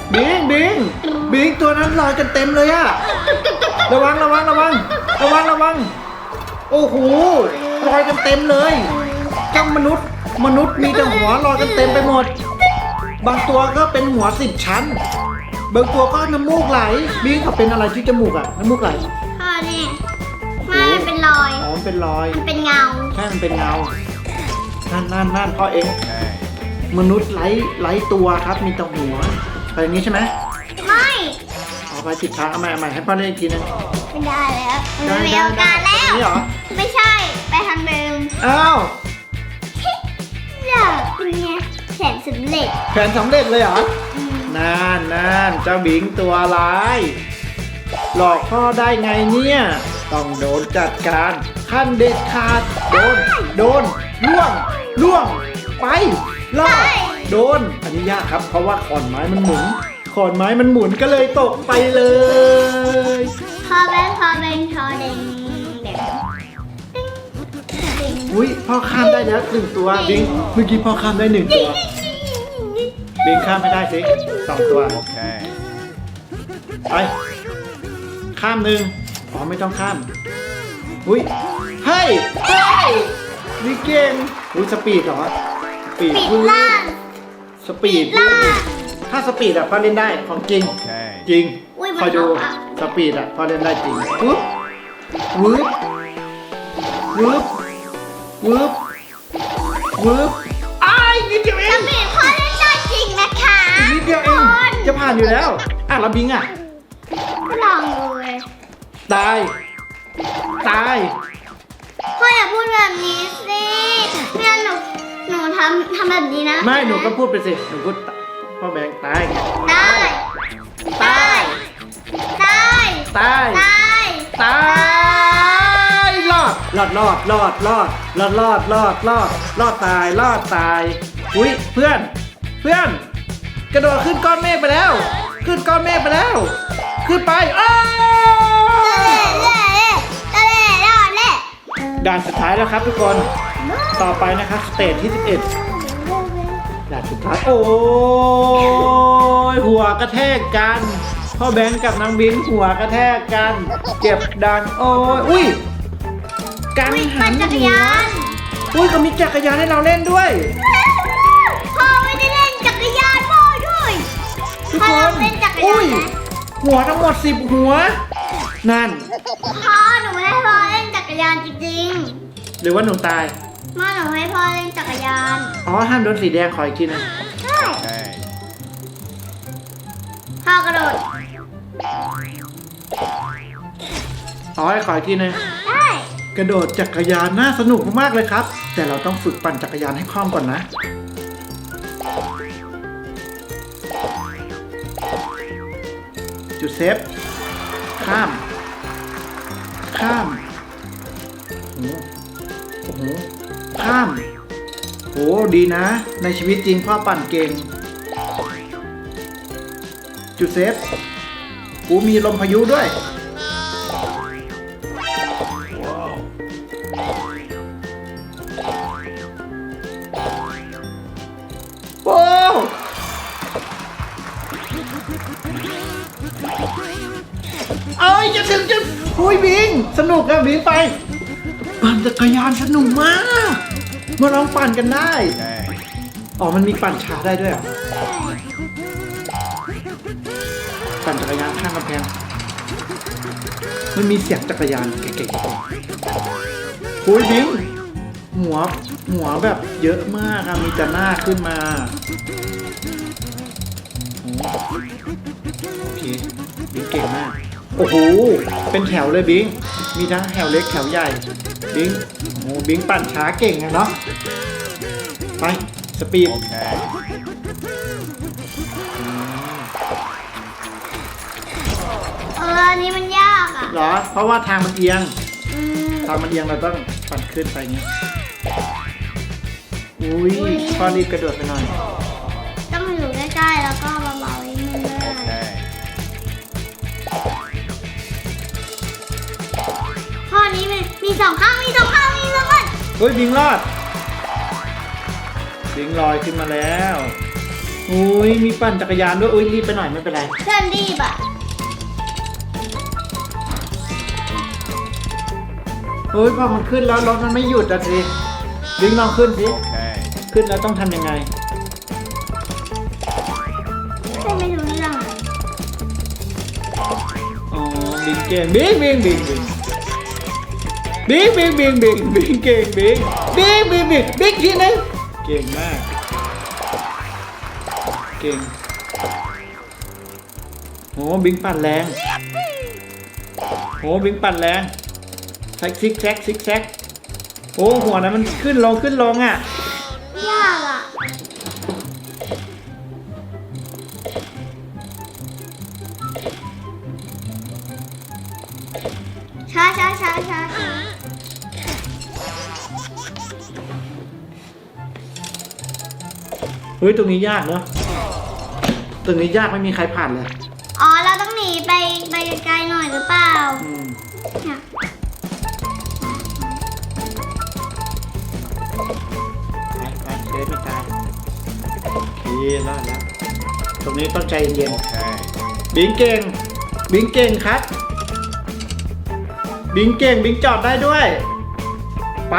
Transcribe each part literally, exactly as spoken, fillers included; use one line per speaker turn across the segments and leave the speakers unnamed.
บิงบิงบิงตัวนั้นลอยกันเต็มเลยอะระวังระวังระวังระวังระวังโอ้โหลอยกันเต็มเลยเจ้ามนุษย์มนุษย์มีแต่หัวลอยกันเต็มไปหมดบางตัวก็เป็นหัวสิบชั้นบางตัวก็น้ำมูกไหลบิงเขาเป็นอะไรที่จมูกอะน้ำมูกไหล
พ่อนี่ไม่มันเป็นรอย
อ๋อมันเป็นรอย
มันเป็นเงา
ใช่มันเป็นเงานั่นนั่นนั่นพ่อเองมนุษย์ไร้ไร้ตัวครับมีแต่หัวอะไรอย่างนี้ใช่ไหม
ไม่
เอาไปสิบครั้งเอาใหม่เอาใหม่ให้พ่อเล่นอีกทีนึง
ไม่ได้แล้ว
ได้
ไม่มี
ได้
โอกาสแล้ว
นี่เหรอ
ไม่ใช่ ไปทำเดิม
อ้าว
เลิกเป็นไงแผนสำเร็จ
แผนสำเร็จเลยเหรอ
อืม
นั่นนั่นเจ้าบิงตัวร้ายหลอกพ่อได้ไงเนี่ยต้องโดนจัดการขั้นเด็ดขาดโดนโดนล่วงล่วงไปล่อโดนอันนี้ยากครับเพราะว่าขอนไม้มันหมุนขอนไม้มันหมุนก็เลยตกไปเลย
พอแบงพอแบงพอเด้งเด้งเด้ง
อุ้ยพ่อข้ามได้แล้วหนึ่งตัวบิงเมื่อกี้พ่อข้ามได้หนึ่งตัวบิงข้ามไม่ได้สิสองตัว
Okay.
ไปข้ามหนึ่งอ๋อไม่ต้องข้ามอุ้ยเฮ้ยเฮ้ยนี่เก่งอุ้ยสปีดเหรอสปีด
ปิดล่าง
สปีด
ปิดล่าง
ถ้าสปีดอะพ่อเล่นได้ของจริง
Okay.
จริง
อุ้ยมัน
คอยดู
ออกอะ
สปีดอะพ่อเล่นได้จริงวึบวึบวึบวึบวึบอ้ายนิดเดียวเอ
ส
ง
ปีดพ่อเล่นได้จริงนะคะ
นิดเดียวเองจะผ่านอยู่แล้วอ่ะแล้วบิงอะ
ลองดูเลย
ตายตาย
พ่ออย่าพูดแบบนี้สิไม่งั้นหนูหนูทำทำแบบนี้นะ
ไม่หนูก็พูดไปสิหนูพูดพ่อแบงค์ตาย
ได้
ตาย
ได้
ตาย
ได้
ตายรอดรอดรอดรอดรอดรอดรอดรอดรอดรอดตายรอดตายอุ้ยเพื่อน เพื่อน กระโดดขึ้นก้อนเมฆไปแล้ว ขึ้นก้อนเมฆไปแล้ว ขึ้นไปอ้า
เล่เล่เล่เล่เล่เล่
ด่านสุดท้ายแล้วครับทุกคน ต่อไปนะครับสเตจที่สิบเอ็ดด่านสุดท้ายโอ้ยหัวกระแทกกันพ่อแบงค์กับนางบิงหัวกระแทกกันเจ็บดังโอ้ยอุ้ยกัง
วิ่ง
หั
ปั่น
น
จักร
หัวย
าน
อุ้ยก็มีจักรยานให้เราเล่นด้วย
พ่อไม่ได้เล่นจักรยานพ่อด้วย
ทุก
พ่อ
คน
เล่นจักร
อุ้
ยาน
ย
นะ
หัวทั้งหมดสิบหัว นั่น
พ่อหนูให้พ่อเล่นจักรยานจริง
หรือว่าหนูตาย
ๆมาหนูให้พ่อเล่นจักรยาน
อ๋อห้ามโดนสีแดงขออีกทีหนึง
ใช่
Okay.
พ่อกระโดด
อ๋อให้ขออีกทีหนึง
ได้
กระโดดจักรยานน่าสนุกมากๆเลยครับ แต่เราต้องฝึกปั่นจักรยานให้คล่องก่อนนะ จุดเซฟ ข้าม ข้ามโอ้โหโอ้โหข้ามโหดีนะ ในชีวิตจริงพ่อปั่นเก่ง จุดเซฟกูมีลมพายุด้วย โอ้เอ้ยจะถึงจะคุยบิง สนุกอะบิงไป ปั่นจักรยานสนุกมาก มาลองปั่นกันได้
Okay.
อ๋อ มันมีปั่นช้าได้ด้วยเหรอปั่นจักรยานข้างกำแพง มันมีเสียงจักรยานเก๋ๆคุยบิง หัว หัวแบบเยอะมากอะมีแต่หน้าขึ้นมา โอเค บิงเก่งมาก โอ้โห เป็นแถวเลยบิง มีทั้งแถวเล็กแถวใหญ่ บิง โอ้โห บิงปั่นช้าเก่งอะเนาะ ไป สปีด
Okay.
เอออันนี้มันยากอ่ะ
เหรอ เพราะว่าทางมันเอียง
อืม
ทางมันเอียงเราต้องปั่นขึ้นไปอย่างเงี้ย อุ้ย
อุ๊ย
พ่อรีบกระโดดไปหน่อย
ต้องอยู่ใกล้ๆแล้วก็เบาๆนิดนึงด้วย
Okay.
ข้อนี้มีมีสองข้างมีสองข้างมีสองข้าง
เฮ้ยบิงรอด บิงลอยขึ้นมาแล้วอุ้ยมีปั่นจักรยานด้วยอุ้ยรีบไปหน่อยไม่เป็นไร
เพื่อนรีบอ่ะ
เฮ้ยพอมันขึ้นแล้วรถมันไม่หยุดอะสิบิงลองขึ้นสิ
Okay.
ขึ้นแล้วต้องทำยังไง
เพื่อนไม่รู้เรื่องอะ
อ๋อบิงเก่งบิงบิงบิงบิงบิงบิงบิงบิงบิงเก่งบิงบิงบิงบิงบิงทีนึงเก่งมากเก่งโหบิงปั่นแรงโหบิงปั่นแรงแซกซิกแซกซิกแซกโอ้หัวนั้นมันขึ้นลงขึ้นลงอ่ะ
ยากอ่ะ ช้าช้าช้าช้าช้า
เฮ้ยตรงนี้ยากเนอะตรงนี้ยากไม่มีใครผ่านเลย
อ๋อ เราต้องหนีไปไปไกลๆหน่อยหรือเปล่า
อืม
เนี่ย
ไปไปเดินไม่ตายโอเครอดแล้วตรงนี้ต้องใจเย็น
Okay.
บิงเก่งบิงเก่งครับบิงเก่งบิงจอดได้ด้วย ไป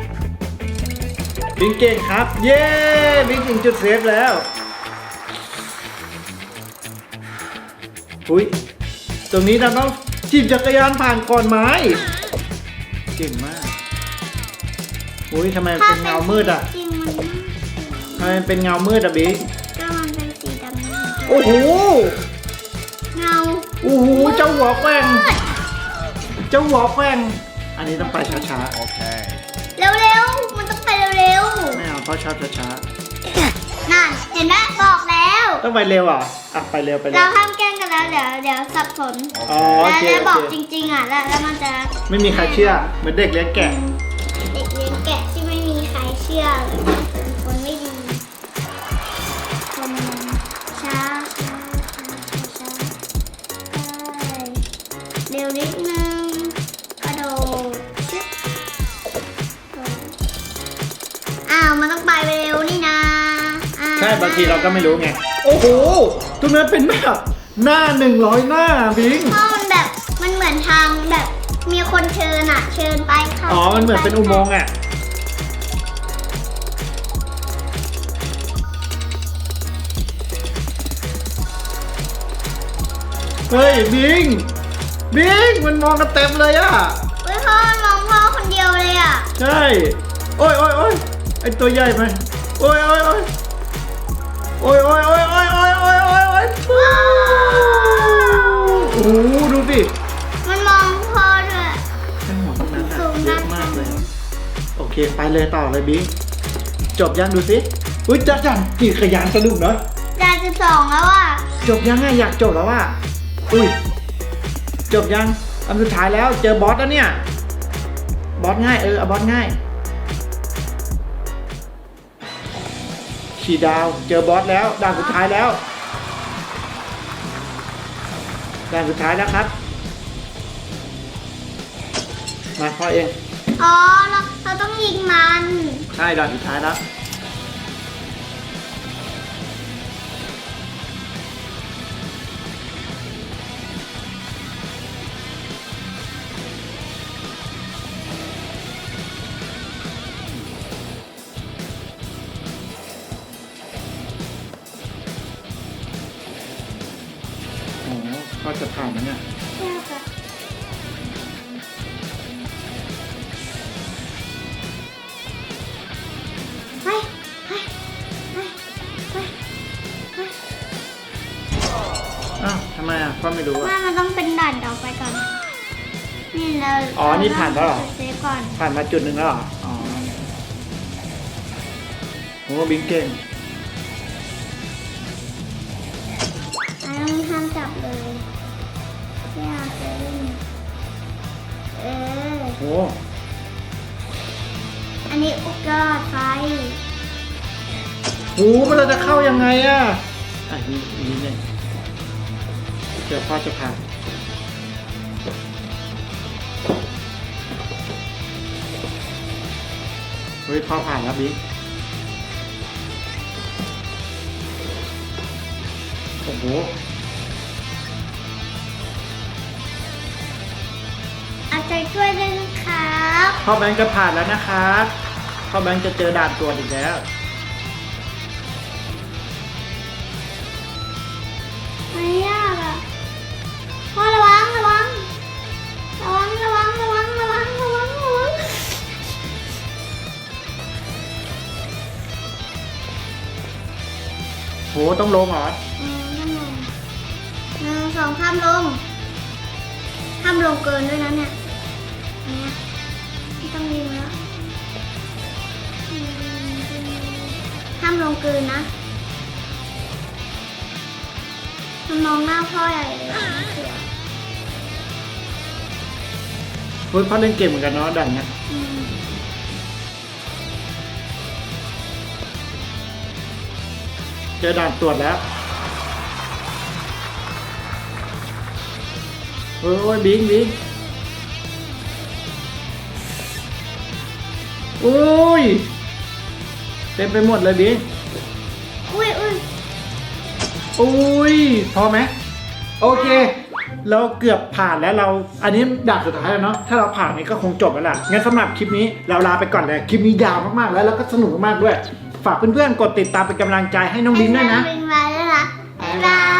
บิงเก่งครับ เย้บิงถึงจุดเซฟแล้วอุ้ยตรงนี้เราต้องจีบจักรยานผ่านก่อนไม้เก่งมากอุ้ยทำไมเป็นเงามืดอ่ะ
จริงมัน
ทำไมเป็นเงามืดอะบิง
ก็มันเป็นสีดำ
โอ้โห
เงา
โอ้โหเจ้าหัวแกว่ง
มืด
เจ้าหัวแกว่งอันนี้ต้องไปช้า
Okay.
เร็วๆ มันต้องไปเร็ว
ๆไม่เอาเพราะชอบช้า
ๆ นั่น เห็นไหมบอกแล้ว
ๆต้องไปเร็วอ่ะอ่ะไปเร็วไปเร็
เรา
ว
ห้ามแกล้งกันแล้ว เดี๋ยวเดี๋ยวสับสน
อ๋อโอ
แล้ว
เค
แล้วบ
โอ
อก
เค
จริงๆอ่ะ แล้วแล้วมันจะ
ไม่มีใครเชื่อเหมือนเด็กเลี้ยงแกะ
เด็กเลี้ยงแกะที่ไม่มีใครเชื่อเลยเป็นคนไม่ดีคนช้าช้าช้าช้าช้าเร็วนิดนึงกระโดดชึบอ้าวมันต้องไปเร็วนี่นะอ่
ใช่บางทีเราก็ไม่รู้ไงโอ้โหตรงนั้นเป็นแบบหน้าหนึ่งร้อยหน้าบิง
เพราะมันแบบมันเหมือนทางแบบมีคนเชิญอ่ะ เชิญไปค่ะ
อ๋อมันเหมือนเป็นอุโมงค์อ่ะเฮ้ยบิงบิงมันมองกันเต็มเลยอ่ะ
เฮ้ยพ่อมันมองพ่อคนเดียวเลยอ่ะ
ใช่ โอ้ยโอ้ยโอ้ยไอตัวใหญ่ไหมโอ้ยโอ้ยโอ้ยโอ้ยโอ้ยโอ้ยโอ้ยโอ้ยโอ้ยโอ้ยโอ้ยโอ้โหดูสิ
มันมองพ่อด้วย
ไอหัวตรงนั้น
สู
อะ
ง
เย
มา
อะ
ก
มากเลย โอเคไปเลยต่อเลยบิงจบยังดูสิอุ้ยจักจันขี่ขยานสนุกเนาะ
จานสิบสองแล้วอ่ะ
จบยังไงอยากจบแล้วอ่ะอุ้ยจบยังอันสุดท้ายแล้วเจอบอสแล้วเนี่ยบอสง่ายเออเอาบอสง่ายขี่ดาวเจอบอสแล้วด่านสุดท้ายแล้วด่านสุดท้ายแล้วครับมาพ่อเอง
อ๋อเราเราต้องยิงมัน
ใช่ด่านสุดท้ายแล้วโอ้โหพ่อจะผ่านไหมเนี่ย
ไปไปไปไปไป
อ้าวทำไมอ่ะพ่อไม่รู้
แม่
อ่ะ
มันต้องเป็นด่านต่อไปก่อน นี่เรา
อ๋อนี่ผ่านแล้วเหรอ
เซฟก่อน
ผ่านมาจุดหนึ่งแล้วเหรออ๋อโหบิงเก่ง
อันนี้ห้ามจับเลยไม่เอาเซฟเออ
โห
อันนี้อุกกาไฟ
โหมันเราจะเข้ายังไงอ่ะอ่ะนี่นี่เนี่ยเดี๋ยวพ่อจะผ่านเฮ้ยพ่อผ่านแล้วบิ๊ก
เอาใจช่วยด้วยนะครับ
พ่อแบงค์จะผ่านแล้วนะครับพ่อแบงค์จะเจอด่านตรวจอีกแล้ว
ไม่ยากอ่ะพ่อระวังระวังระวังระวังระวังระวังระวังระวัง
โหต้องลงเหรอ
เออนั่นไงหนึ่งสองข้ามลงข้ามลงเกินด้วยนะเนี่ยเนี่ยไม่ต้องยิงแล้วข้ามลงเกินนะมันมองหน้าพ่อใหญ่เลยเสือ
เฮ้ยพ่อเล่นเกมเหมือนกันเนาะด่านเนี้ย
อืม
เจอด่านตรวจแล้วโอ้ยบิงบิงโอ้ยเต็มไปหมดเลยบิง
อุ้ยอุ้ย
โอ้ยพอไหมโอเค เราเกือบผ่านแล้วเราอันนี้ด่านสุดท้ายแล้วเนาะถ้าเราผ่านนี้ก็คงจบแล้วล่ะงั้นสำหรับคลิปนี้เราลาไปก่อนเลยคลิปนี้ยาวมากๆแล้วแล้วก็สนุกมากๆด้วย ฝากเพื่อนๆกดติดตามเป็นกำลังใจให้น้องบิงด้วยนะ
เป็นมาแล้วล่ะบ๊ายบาย